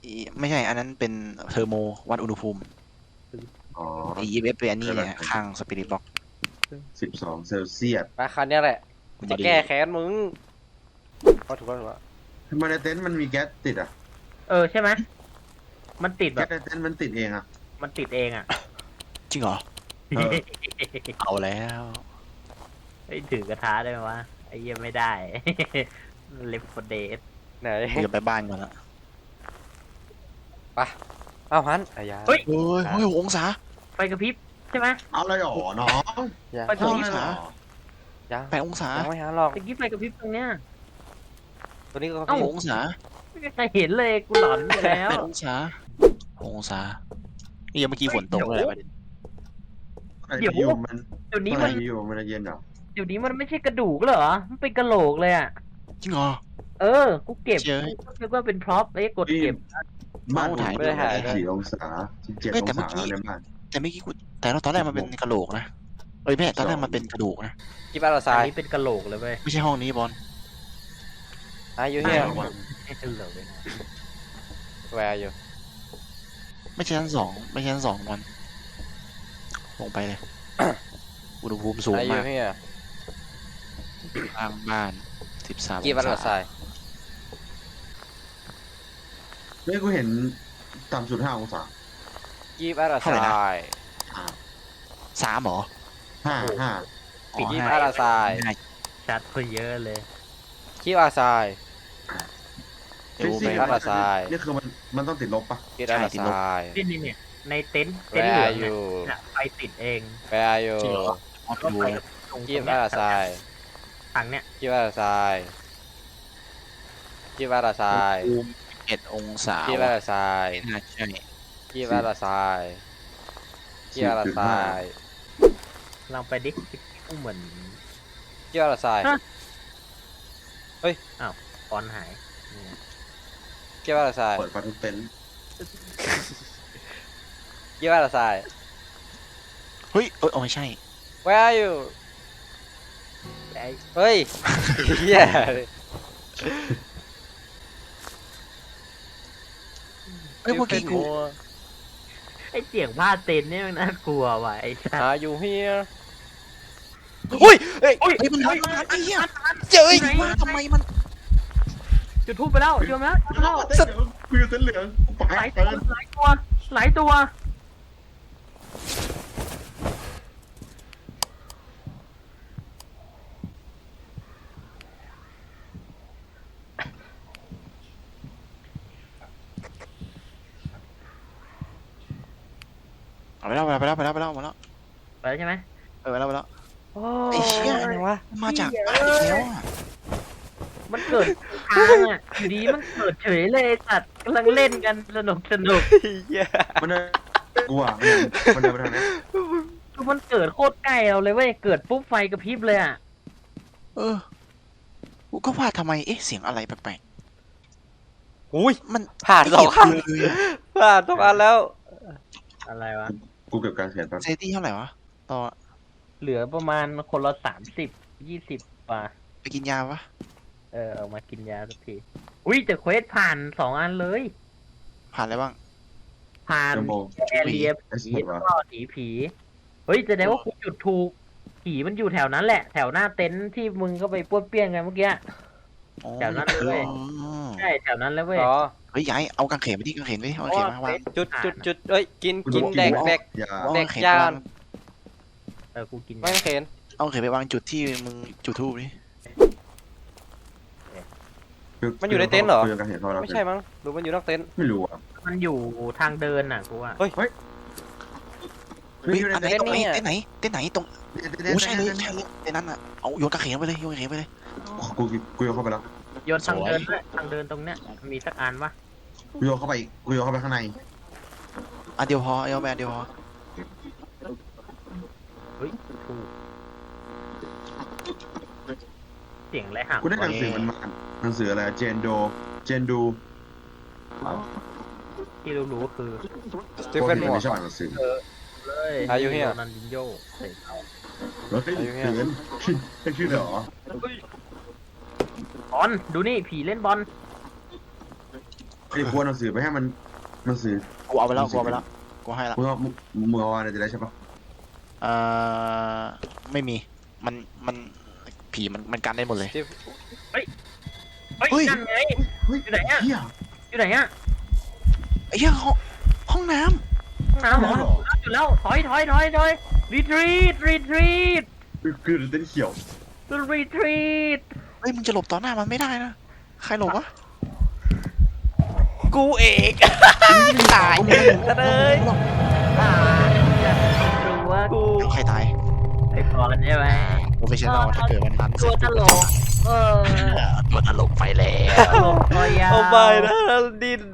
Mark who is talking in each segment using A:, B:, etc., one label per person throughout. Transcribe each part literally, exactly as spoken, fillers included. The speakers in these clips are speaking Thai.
A: อีไม่ใช่อันนั้นเป็นเทอร์โมวัดอุณหภูมิ
B: อ๋อ
A: ไอ อี เอฟ เป็นอันนี้เนี่ยข้างสปิริตบ็อก
B: สิบสองเซลเซียส
C: มาคันเนี้ยแหละ
A: มัน
C: จะ
A: จะดี
C: แก้แค้นมึงเอาถูกแล้วถูกแล้ว
B: ทำไมในเต็นท์มันมีแก๊สติดอ่ะ
D: เออใช่ไหมมันติดแบ
B: แก๊ส
D: บ
B: ในเต็นท์มันติดเองอ่ะ
D: มันติดเองอ่ะ
A: จริงเหรอ
B: เออ
A: เอาแล้ว
D: ไอ้ถือกระทะได้ไหมวะไอ้เหี้ยังไม่ได้เลฟเดส
C: ไหน
A: เดี๋ยวไปบ้านก่อนละ
C: ไปเอาฮันอายา
D: เฮ้ย
A: เฮ้ยเฮ้ยหกองศา
D: ไฟกระพริบใช่ไหม
B: เอาอะไรหรอน้อง
C: ยัง
D: ไป
A: หกอง
B: เอาอะไรหร
A: ศา
B: อ
C: ยัง
A: แปดองศา
C: ยังไม่หาหรอก
D: ตะกี้ไฟกระพริบตรงเนี้ย
C: ตัวนี้ก็
D: เอ้า
A: หกองศา
D: ไม่มีใครเห็นเลยกูหลอนไปแล้ว
A: แปดองศาหกองศานี่ยังเมื่อกี้ฝนตกเลยประเด็น
D: เดี๋ยว
B: อยู่มัน
D: เดี๋ยวนี้
B: อะไร
D: มัน
B: อยู่มันจะเย็นเหรอ
D: เดี๋ยวนี้มันไม่ใช่กระดูกเหรอมันเป็นกระโหลกเลยอ่ะ
A: จริงเหรอ
D: เออกูเก็บ
A: เจ๊ย
D: นึกว่าเป็นพร็อพไอ้กดเก็บ
B: บ้าน
A: เอาถ่าย
B: ไม่ได้ถ่ายสี่องศาสิบเจ็ด
A: เฮ้ย
B: อ
A: แต่
B: ง
A: เมื่อ
B: ศา
A: กี้
B: ในบ้าน
A: แต่เมื่อกี้กูแต่เราตอนแรกมันเป็นกระโหลกนะเอ้ยแม่ตอนแรกมันเป็นกระดูกนะ
C: กี่บ้านเรา
D: อั
C: ทราน ย
D: นี้เป็นกระโหลกเลยเว้ย
A: ไม่ใช่ห้องนี้บอล
C: อายุเฮีย
D: ไม่ใช่กระโหลกเลยนะ
C: แวร์อยู่
A: ไม่ใช่ชั้นสองไม่ใช่ชั้นสองบอลลงไปเลย อุณหภูมิสูง
C: อายุ
A: มาก
C: เฮีย
A: ข้างบ้านสิบสาม
C: กี่บ้านเราทราย
B: เฮ้ยกูเห็นต่ำสุดห้าองศา
C: กี่บ้านเราทราย
A: สามเหรอ
B: ห้าห้า
A: อ๋อ
C: กี่
A: ห้า
C: บ้านเราทราย
A: ห้า
D: ชัดเพิ่มเยอะเลย
C: กี่บ้านเราทราย
A: เดี๋ยว
B: ฟิ
A: ไป
B: สิกส์
C: บ้านละทราย
B: นี่คือมันมันต้องติดลบปะ
C: กี่บ้านเราทราย
D: นี่นี่เนี่ยในเต็นท์
C: แว
D: เต็นท์เหลือง
C: ร์อ
D: เนี่ย
C: ยู่
D: น่ะไฟติดเอง
C: แวร์อยู่
A: จริงเหรอออฟ
D: ก็
A: ดู
D: ไฟ
A: เลย
D: ตรงต
C: กี่
D: รง
C: บ้าน
D: เนี้ย
C: เราทราย
D: ถังเนี่ย
C: กี่บ้านเราทรายกี่บ้านเราทราย
A: อุณหภูมิเอ็ดองศา
C: กี่บ้านเราทราย
A: ไม่น่าใช่
C: กี่บ้านเราทรายกี่บ้านเราทราย
D: ลองไปดิกูเหมือน
C: กี่บ้านเราทราย
D: ฟอนต์หายนี่ไง
C: กี่บ้านเราทราย
B: เปิดประตูเต็นท์
C: กี่บ้านเราทราย
A: เฮ้ยเอ้ยเอาไม่ใช่
C: Where are you
D: ไอ้
C: เฮ้ยเฮีย
A: เอ้ยเมื่อกี้กู
D: ไอ้เสียงผ้าเต็นท์เนี่ยมันน่ากลัวว่ะไอ้สัส
C: หาอยู่เฮียอุ้ยเฮ้ย
A: เฮ้ยมันหันมันหันไอ้เหี้ยเจ้ยมาทำไมมัน
D: จุดทูบไปแล้วโยมแล้วโยมแล้ว
B: สัตว์กูอยู่เต็นท์เหลืองกูไป
D: หลาย
B: เ
D: ตัวหลายตัวหลายตัว
A: เอาไปแล้วไปแล้วไปแล้วไปแล้วไปแล้ว
D: ไปแล้วใช่ไหม
A: เออไปแล้วไปแล้ว
C: โอ้
A: ไอ้เหี้ย
C: อะไรวะ
A: มาจากบ้านอีกแล้วอะ
D: มันเกิดทางอ่ะอยู่ดีมันเกิดเฉยเลยไอ้สัตว์กำลังเล่นกันสนุกสนุก
C: เฮีย
B: มันเดินกูอ่ะมันเดินมันเดินไปทางนี้
D: คือมันเกิดโคตรใกล้เราเลยเว้ยเกิดปุ๊บไฟกระพริบเลยอ่ะ
A: เออกูก็ว่าทำไมเอ๊ะเสียงอะไรแปลก
C: อุ้ย
A: ๆมัน
C: ผ่านสองคัน
A: เลยอะ
C: ผ่านสองอันแล้ว
D: อะไรวะ
B: กูเก็บการเสียงแป๊บ
A: เซตี้เท่าไหร่วะต่อ
D: เหลือประมาณคนละสามสิบยี่สิบป่ะ
A: ไปกินยาวะ
D: เออเอามากินยาสักทีอุ้ยแต่เควสผ่านสองอันเลย
A: ผ่านอะไรบ้าง
D: ผ่าน
B: เทอร์โม
D: แอเรีย
B: เอส
D: ผี
B: หมด
D: แล้ว
B: วะ
D: ก็หนีผี เฮ้ยแสดงว่าคุณจุดถูก ผีมันอยู่แถวนั้นแหละ แถวหน้าเต็นท์ที่มึงก็ไปป้วนเปี้ยนกันเมื่อกี้
A: อ๋อ
D: แถวนั้นเลย
A: อ๋อ
D: ใช่แถวนั้นแล้วเว้ย
C: อ๋อ
A: เฮ้ยยายเอากางเขนไปที่กางเขนไปที่เอากางเขนมาวาง
C: จุดจุดจุดเอ้ย กิน
B: กู
C: กิน
B: โด
C: แดกแดก
B: ยา
A: เอา
C: เด็ก
A: กางเขน
C: ย่าน
A: วาง
D: เออกูกิน
C: ไม่เข็น
A: เอากางเขนไปวางจุดที่มึงจุดทูบนี่
C: มันอยู่ในเต็นท์เหรอ
B: กูยังการเห็นพอแล้ว
C: ไม่ใช่มั้งหรือมันอยู่นอกเต็นท์
B: ไม่รู้อ่ะ
D: มันอยู่ทางเดินน่ะกูว่า
C: เฮ้ย
A: เฮ้ย
B: ไม่อยู่ใน
A: อันไหน
B: เต็น
A: ตรงไหน
C: เนี่ย
A: เต้นไหนเต้นไหนตรง
B: ท์
A: โอ้ใช่เลยใช่เลยเต้นนั้นอ่ะเอาโยนกางเขนไปเลยโยนกางเขนไปเลย
B: กูกูโยนเข้าไปแล้ว
D: โยนทาง
A: สวย
D: เดินด้วยทางเดินตรงเนี้ยมีสักอันปะ
B: กูโยนเข้าไปอีกกูโยนเข้าไปข้างใน
A: อันเดียวพอเอาแมนเดียวพอ
D: เฮ้ยถูกเสียงอะไรห่าง
B: กูได้หนังสือมันมาหนังสืออะไรเจนโดเจนดู
D: ที่รู้ๆก็คือ
C: สตีเฟน
B: พ
C: หม
B: วก
C: ว
B: ไม่
C: ก
B: ชอบอ่านหนังสือ
D: เลย
C: อายุเฮีย
D: โรนันดินโญ่เตะเข้า
B: เฮ้ย
C: อายุเฮีย
B: เตือนไม่ชื่อเหรอบ
D: อลดูนี่ผีเล่นบอล
B: ไอ้กูเอาหนังสือไปให้มันหนังสือ
A: กูเอาไปแล้วกูเอาไปแล้วกูให้ละ
B: มึงเอามึงมึงเอาอะไรจะได้ใช่ปะ
A: เอ่อไม่มีมันมันผีมันมันกันได้หมดเลย
C: ที่
D: เฮ้ย
A: เฮ้ย
D: นั่นไง
B: เฮ้ย
D: อยู่ไหนอะ
B: เฮีย
D: อยู่ไหนอะ
A: ไอ้เหี้ยห้องห้องน้
D: ห้องน้ำเหรอ
B: ห้องน้ำเหรอ
D: อยู่แล้วถอยถอยถอยถอยรีทรีตรีทรีต
B: คือเต้นเขียว
D: รีทรีต
A: ำเฮ้ยมึงจะหลบต่อหน้ามันไม่ได้นะใครหลบวะ
C: กูเองตายเลย
D: อ่าดูว่า
C: กู
A: ใครตาย
D: ไอ้บอลใช่ไหม
A: โปรเฟชชั่นอลถ้าเกิดวันนั้น
D: ตัวตลกเออ
A: ตัวตลกไปแล้ว
D: ตลกตัวยาว
C: เอาไปนะดิน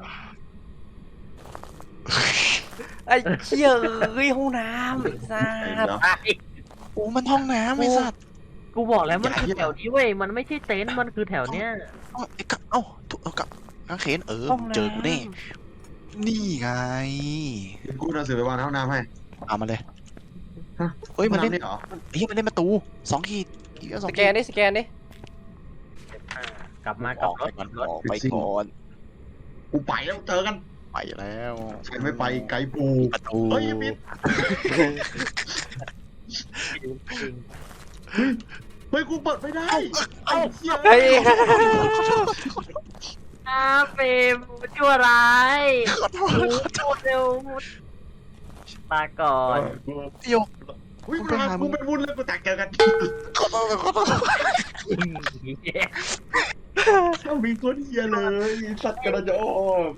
C: ไอ้เชี่ยเฮ้ยห้องน้ำไอ้สั
B: ไอ้
C: ส
B: เนาะ
D: ไอ้
A: โอ้มันห้องน้ำไอ้สัตว์
D: กูบอกแล้วมันคือแถวนี้เว้ยมันไม่ใช่เต็นท์มันคือแถวเนี้ย
A: เอ้าไอ้กับเอ้าถูกเอากับกางเขนเออเจอกูแน่นี่ไง
B: กูเอาหนังสือไปวางในห้องน้ำให้
A: เอามาเลย
B: ฮะ
A: เอ้ยมัน
B: ห้อง
A: เล่น
B: น้ำนี่เหรอ
A: เฮ้ยมันเล่นประตูสองขีดอีกแล้วสอ
C: ส
A: ง
C: แก
A: ขี
C: น
A: ด
C: ดิสแกนดิ
D: อ่ากลับมา
A: อ
D: กับ
A: อก
D: ร
A: ไป
D: ถ
A: ก่อน
D: รถ
A: ออกไปก่อน
B: กูไปแล้วเจอกัน
A: ไปแล้ว
B: ใครไม่ไปไกด์ปู
A: ประตู
B: เฮ้ยอย่าปิด
D: จริง
B: เฮ้ยกูเปิดไม่ได้ไอ้เหี้ย
C: เฮ้ย
D: อาเฟมชั่วร้าย
A: ขอโทษ
D: พูดเร็วตาก่อน
A: โยก
B: อุ้ยกูทำกูเป็นวุ้นเลยกูแตกเจอกัน
A: ขอโทษขอโทษ
B: ต้องมีคนเฮียเลยสัตว์กระโจม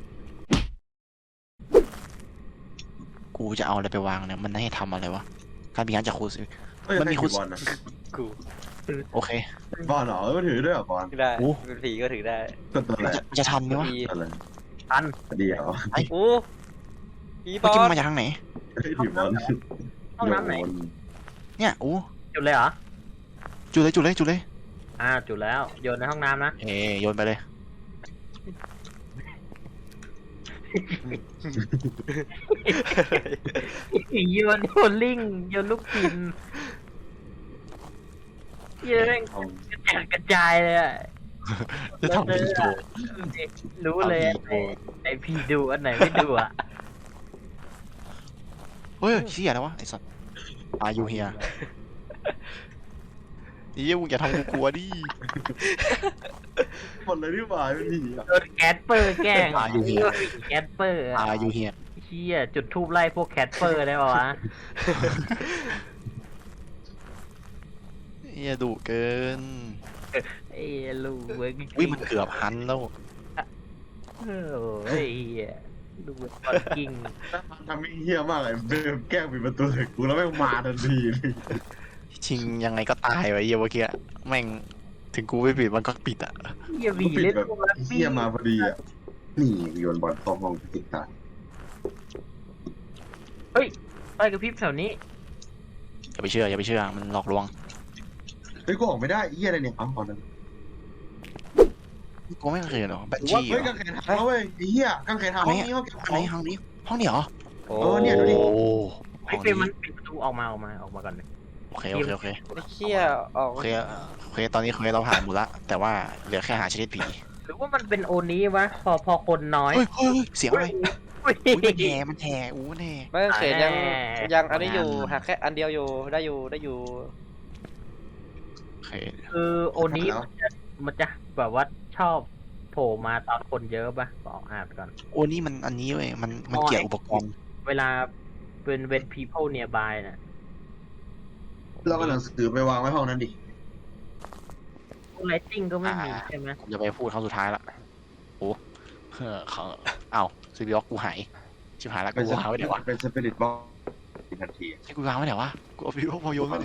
A: กูจะเอาอะไรไปวางเนี่ยมันให้ทำอะไรวะการมีงานจากครูสิ
B: เฮ้ย
A: มันมี
B: ใคร
A: คุ
B: ถื
A: ณ
B: อบอลนะ
C: กู
A: โอเค
B: บอลเหรอเออถือด้วยเหรอบอล
C: ถือได้
A: โอ้
C: เป็นผีก็ถือได้
B: ก็ตัวอะไร
A: มันจะมันจะทันไหมวะ
C: ผี
B: อะไร
D: ทัน
B: เดียว
C: โอ้ผีบ
A: เมื่อ
C: อ
A: กี้
C: ล
A: มันมาจากทางไหน
B: เฮ้ยถือบอล
D: ห้องน้ำไหน
A: เนี่ยโอ้
D: จุดเลยเหรอ
A: จุดเลยจุดเลยจุดเลย
D: อ่าจุดแล้วโยนในห้องน้ำนะ
A: เอ้ยโยนไปเลย
D: โยนโยนลิงโยนลูกปินเยอะกระจายกระจายเลยอะ
A: จะทำเป็นโชว์
D: รู้เลยอะ
A: ทำเป็นโชว์
D: ไอพี่ดูอันไหนไม่ดูอ่ะ
A: เฮ้ยเชี่ยแล้ววะไอ้สัตว์อายุเฮียนี่มึงอย่าทำกูกลัวดิ
B: หมดเลยที่บ่ายไม่มีอ่ะ
D: โดนแคทเปอร์แกล้งแคทเปอร์
A: อายุเฮีย
D: เชี่ยจุดทูบไล่พวกแคทเปอร์ได้ป่าวะ
A: เฮียดุเกิน
D: ไอ้ลูกเว้ย
A: วิมันเกือบหันแล้ว
D: โอ้ยลูกเว้ยตอนกิ้ง
B: ทำให้เฮี้ยมากเลยเดิมแกล้งปิดประตูใส่กูแล้วแม่งมาทันทีเลย
A: ชิงยังไงก็ตายไว้เหี้ยเมื่อกี้แม่งถึงกูไม่ปิดมันก็ปิดอ่ะ
D: เฮียบี
B: ปิด
D: เล่น
B: แบบ
D: พวกนั้น
B: เฮี้ยมาพอดีอ่ะนี่โยนบอลเข้าห้องติดตา
D: ไปกับพริบแถวนี้
A: อย่าไปเชื่ออย่าไปเชื่อมันหลอกลวง
B: เฮ้ยกูออกไม่ได้เฮี้ยอะไรเนี่ยเอ้าบอลนั้น
A: กูไม่เคยหรอกแบน
B: ว่า
A: ชี่
B: เฮ้ยกางเขนทำแล้วเว้ยไอ้เฮี้ยกางเขนทำห้องนี้ห้องเก็บข
A: ห้อง
B: อง
A: ไหนห้องนี้ห้องนี้เหรอ
C: โอ้
B: เออเนี่ยดูดิ
A: โอ้
D: ไอ้เฟรมมันปิดประตูออกมาออกมาออกมาก่อนเลย
A: โอเคโอเคโอเค
C: ไอ้เชี่ยออก
A: โอเคโอเคตอนนี้เคยเราผ่านหมดละแต่ว่าเหลือแค่หาชนิดผี
D: หรือว่ามันเป็นโอนี้วะพอพอคนน้อย
A: เฮ้ยเฮ้ยเฮ้ยเสียงอะไร
D: อุ้ย
A: อุ้ยมันแห่มันแห่อู้แน่
C: ไม่เขตยัง
D: แน่
C: ยังอันนี้อยู่หักแค่อันเดียวอยู่ได้อยู่ได้อยู่
A: โอเค
D: คือโอนี้มันจะมันจะแบบว่าชอบโผล่มาตอนคนเยอะปะบอกอ่านก่อน
A: โอ้นี่มันอันนี้เว้ยมันมันเกี่ยวอุปกรณ์
D: เวลาเป็นเวน people nearby น่ะ
B: เราก็หนังสือไปวางไว้ห้องนั้นดิ
D: ไลติ้งก็ไม่มีใช่ไหม
A: ผมจะไปพูดครั้งสุดท้ายละโอ้เออเขาเอ้าซีบีล็อกกูหายชิบหายละ
B: เป็น
A: กูวางไว้ไหนวะ
B: เป็นสปิริตบอลทันที
A: ให้กูวางไว้ไหนวะกูเอาซีบีล็อกพอโยนไว้ไหน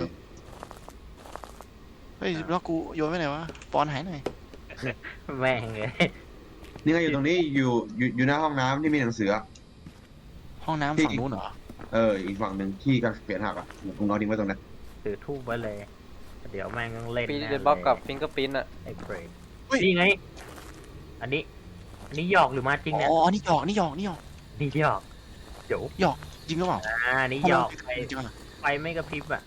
A: เฮ้ยซีบีล็อกกูโยนไว้ไหนวะปอนหายหน่อย
D: แม่งเลย
B: นี่ไงอยู่ตรงนี้อยู่อยู่อยู่หน้าห้องน้ำที่มีหนังสืออะ
A: ห้องน้ำฝั่งนู้นเหรอ
B: เอออีกฝั่งหนึ่งที่กางเขนหักอ่ะกูนอนทิ้งไว้ตรงนั้น
D: ถือทูบไว้เลย เดี๋ยวแม่งต้องเล่น
C: ปี
D: แน่
C: เดนบล็อกกับฟิงเกอร์พินอะ
D: ไอ้เฟรด
A: เฮ้ย
D: นี่ไง อันนี้ อันนี้หยอกหรือมาจริงเนี่ย
A: อ๋อนี่หยอกนี่หยอกนี่หยอก
D: นี่หยอกเดี๋ยว
A: จริงหรือเปล่า
D: อ่านี่หยอกไฟ
A: จริงเหรอ
D: ไฟไม่กระพริบอ่ะ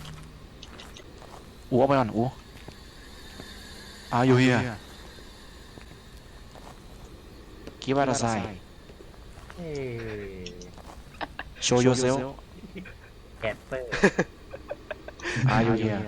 A: อู้เอาไปก่อนอู้อาอยู่เฮีย Give us a sign
D: เอ้
A: Show yourself
D: แคปเปอร์
A: Are you here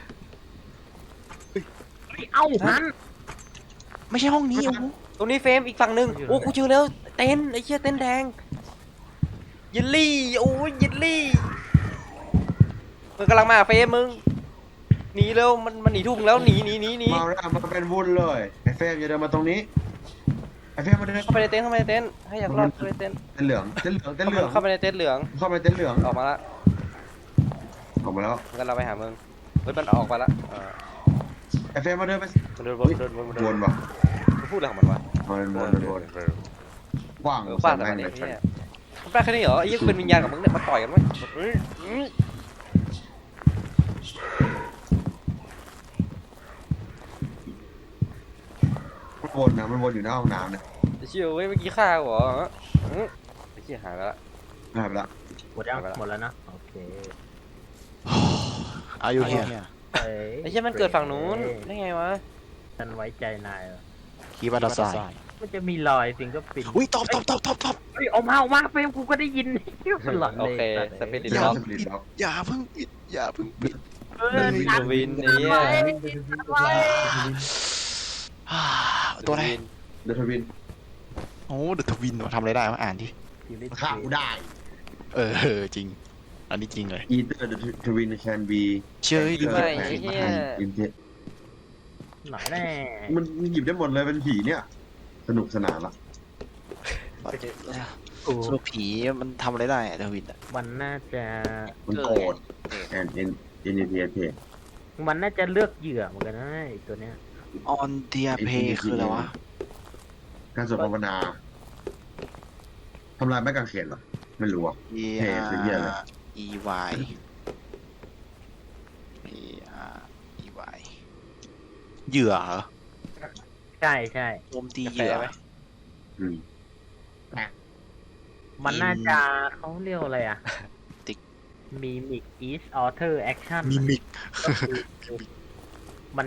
D: เอ้าหัน
A: ไม่ใช่ห้องนี้โอ้โห
C: ตรงนี้เฟรมอีกฝั่งหนึ่งโอ้กูเจอแล้วเต็นท์ไอ้เชี่ยเต็นท์แดงเยลลี่โอ้ยเยลลี่มันกำลังมาเฟรมมึงหนีแล้วมันมันหนีทุ่งแล้วหนีหนีหนีหนี
B: มาแล้วมันเป็นวุ่นเลยไอ้เฟรมอย่าเดินมาตรงนี้ไอ้เฟรมมาเดิน
C: เข้าไปในเต็นท์เข้าไปในเต็นท์ให้อยากรอดเข้าไปในเต็นท์
B: เต็นเหลืองเต็นเหลืองเต็นเหลือง
C: เข้าไปในเต็นท์เหลือง
B: เข้าไปเต็นเหลือง
C: ออกมาละ
B: ออกมาแล้ว
C: งั้นเราไปหามึงเฮ้ยมันออกมาละเออ
B: ไอ้เฟรมมาเดินไป
C: มันเดินวนเดินวนเดิ
B: วน นว่ะ
C: มันพูดอะไรของมันวะ
B: วนวนวนกว้าง
C: เออป้าแต่
B: แม่
C: มัน
B: ง
C: เนี่
B: เลย ย
C: เนี่ยมันป้าแค่นี้เหรอไอ้ยี่เป็นวิญญาณกับมึงเนี่ยมาต่อยกันไหมเฮ้ยอืม
B: มันวนนะมันวนอยู่หน้าห้องน้ำเนี่ย
C: ไอ้เชี่ยเว้ยเมื่อกี้ฆ่ากูเหรออืมไอ้เชี่ยหายไปละ
B: หายไปละ
D: หมดยังหมดแล้วนะโอเค
A: Are you here
D: เอ้ย
C: ไอ้เชี่ยมันเกิดฝั่งนู้นได้ไงวะ
D: ฉันไว้ใจนายเหรอ
A: Give us a sign
D: มันจะมีรอยฟิงก็ปิด
A: อุ้ยตอบตอบตอบตอบตอบ
D: เฮ้ยออกมาออกมาเฟรมกูก็ได้ยินมันหลอน
C: โอ
D: เลย
C: เคสปิริต
A: อย่า
C: ล็อก
A: เพิ่งปิดอย่าเพิ่งปิดอย่าเพิ่งปิด
D: เออ
C: วิน
D: ตัด
C: วินนี่
D: ไว้
C: อ่ะ
D: ตัดไว้
A: อ่าตัวอะไร
B: เดอะทวิน
A: โอ้เดอะทวินทำอะไรได้มาอ่านที่
B: ฆ่ากูได้
A: เออจริง อันนี้จริงเลย
B: Either the twin can be
A: เชื่อดิ
C: ไม่ไอ้เหี้ย
D: หน่อยแน่
B: มันหยิบได้หมดเลยเป็นผีเนี่ย สนุกสนานละ
D: กู
A: สรุปผีมันทำอะไรได้อะเดอะทวินอะ
D: มันน่าจะ
B: มันโกรธ and in in the theater
D: มันน่าจะเลือกเหยื่อเหมือนกันนะไอ้ตัวเนี้ย
A: ออนเดียเพคืออะไรวะ
B: การสวดภาวนาทำลายไม้กางเขนเหรอ ไม่รู้อ่ะ
A: E
B: เพคือเหี้ยอะไร
A: E Y E R E Y เหยื่อเหรอ
D: ใช่ใช่
A: โจมตีเหยื่อ
C: แปลไหม
B: อืม
D: มันน่าจะเขาเรียกอะไรอ่ะ
A: ติ๊ก
D: มีมิก is author action
A: มิมิก
D: ก็คือมัน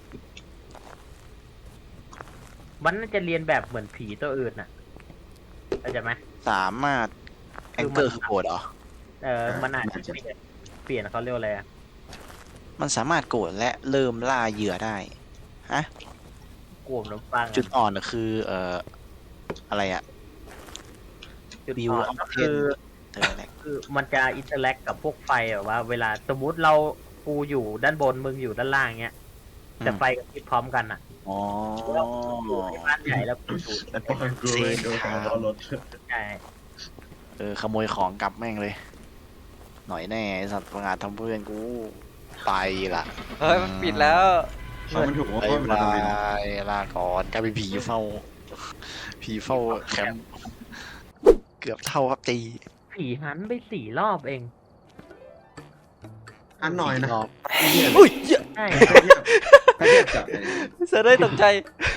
D: มันน่าจะเรียนแบบเหมือนผีตัวอื่นน่ะเข้าใจไหม
A: สามารถแองเกอร์คือโกรธเหรอ
D: เออมันอาจจะเปลี่ยนเปลี่ยนเขาเรียกว่าอะไรอ่ะ
A: มันสามารถโกรธและเริ่มล่าเหยื่อได้ ฮะ
D: กลุ่มน้ำปัง
A: จุดอ่อนน่ะคือ เอ่อ อะไรอะ
D: จุด
A: วิว
D: อ่อน
A: ออฟ
D: ก็
A: เท
D: คื
A: น
D: อ
A: เธออะไร
D: คือมันจะอินเตอร์แลกกับพวกไฟแบบว่า เวลาสมมุติเรากูอยู่ด้านบนมึงอยู่ด้านล่างเงี้ยแต่ไฟกับพร้อมกันอ่ะ
A: อ๋อ
D: แล้วอยู่ในบ้านใหญ่แล้วกูอยู่
B: ปอนกูเลยโดนล้อรถ
D: ใช่
A: เออ ขโมยของกลับแม่งเลย หน่อยแน่ไอ้สัตว์ประงาดทำเพื่อนกู ไปละ
C: เฮ้ยมันปิดแล้ว
B: เขามันถูกว่า
A: ไป
B: เขาเป็น
A: บา
B: ทวิน
A: ยลาก่อนกลายเป็นผีเฝ้า ผีเฝ้าแคมป์เกือบเท่าครับตี
D: ผีหันไปสี่รอบเอง
B: อันหน่อยนะ
A: รอบ
C: อุ้ยเหี้ย
D: ใช่
B: ถ้าเทียบถ้าเทียบกับ
C: เสือได้ตกใจ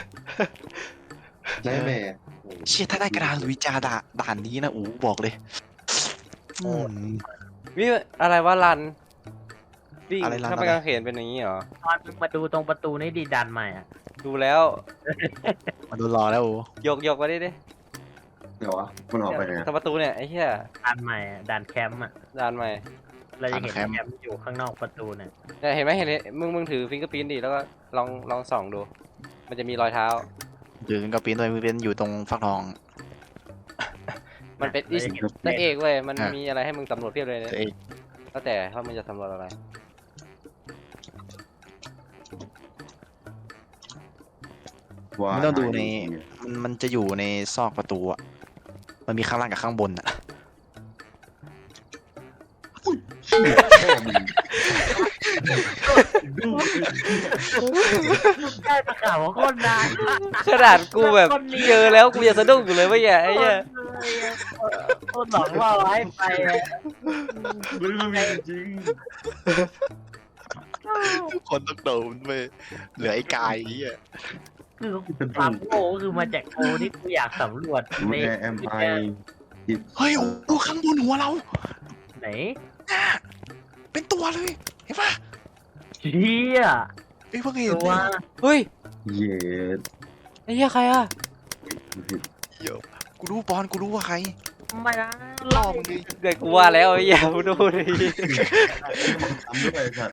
B: ใช่ไหม
A: เชี่ยถ้าได้กระดานลุยจาด่าด่านนี้นะอูบอกเลยอืม
C: วิอะไรวะรันวิ่ง
A: อะไรรัน
C: ถ้าไป
A: อะไร
C: กางเขนเป็นอย่างนี้เหรอ
D: ตอนมึงมาดูตรงประตูนี่ดีดันใหม่อ่ะ
C: ดูแล้ว
A: มาดูรอแล้วอู
C: ยกยกมาดิดิ
B: เดี๋ยววะมันออกไปไง
C: ทางประตูเนี่ยไอ้เหี้ย
D: ดันใหม่อะดันแคมป์อ่ะ
C: ดานใหม่
D: เราจะเห็นแคมป์อยู่ข้างนอกประตูเนี่ย
C: เนี่ยเห็นไหมเห็นไหมมึงมึงถือฟิงเกอร์พิ้นดิแล้วก็ลองลองส่องดู มันจะมีรอยเท้า
A: ยืนกับปีนตัวมือเป็นอยู่ตรงฟักทอง
C: มันเป็นอิส
D: ราจะห็
C: นักเอกเว้ยมัน
A: อ่ะ
C: มีอะไรให้มึงสำรวจเพียบเลยเนี่ย
A: ตัวเอง
C: แล้วแต่ว่ามึงจะสำรวจอะไร
B: ว่า
A: ไม่ต้องดูใน มันมันจะอยู่ในซอกประตูอ่ะ มันมีข้างล่างกับข้างบนอ่ะ
B: แค่มึงดู
D: ใช่ตะข่าวว่าโคตรนาน
C: ขนาดกูแบบเจอแล้วกูยังสะดุ้งอยู่เลยว่าอย่าไอ้เหี้ย
D: โคตรหลอกล่อไว้ไปอะ
B: มันไม่มีจริง
A: ทุกคนต้องโดนไปเหลือไอ้กายนี้อ่ะ
D: คือความโง่คือมาจากโกที่กูอยากสำรวจใน
B: แอมไอ
A: เฮ้ยโอ้โหข้างบนหัวเรา
D: ไหน
A: น่ะเป็นตัวเลย เห็นปะ
D: เชี่ย
A: เอ้ยเพิ่งเห็น
D: ตัว
A: เลย
C: เฮ้ย
B: เย็ด
C: ไอ้เหี้ยใครอะ
A: เดี๋ยวกูรู้บอลกูรู้ว่าใคร
D: ไม่นะ
A: ล่อมึงดิ
C: เกิดกูว่าแล้วไอ้เหี้ยมึงดูดิ
B: ทำด้วยไอ้สัตว์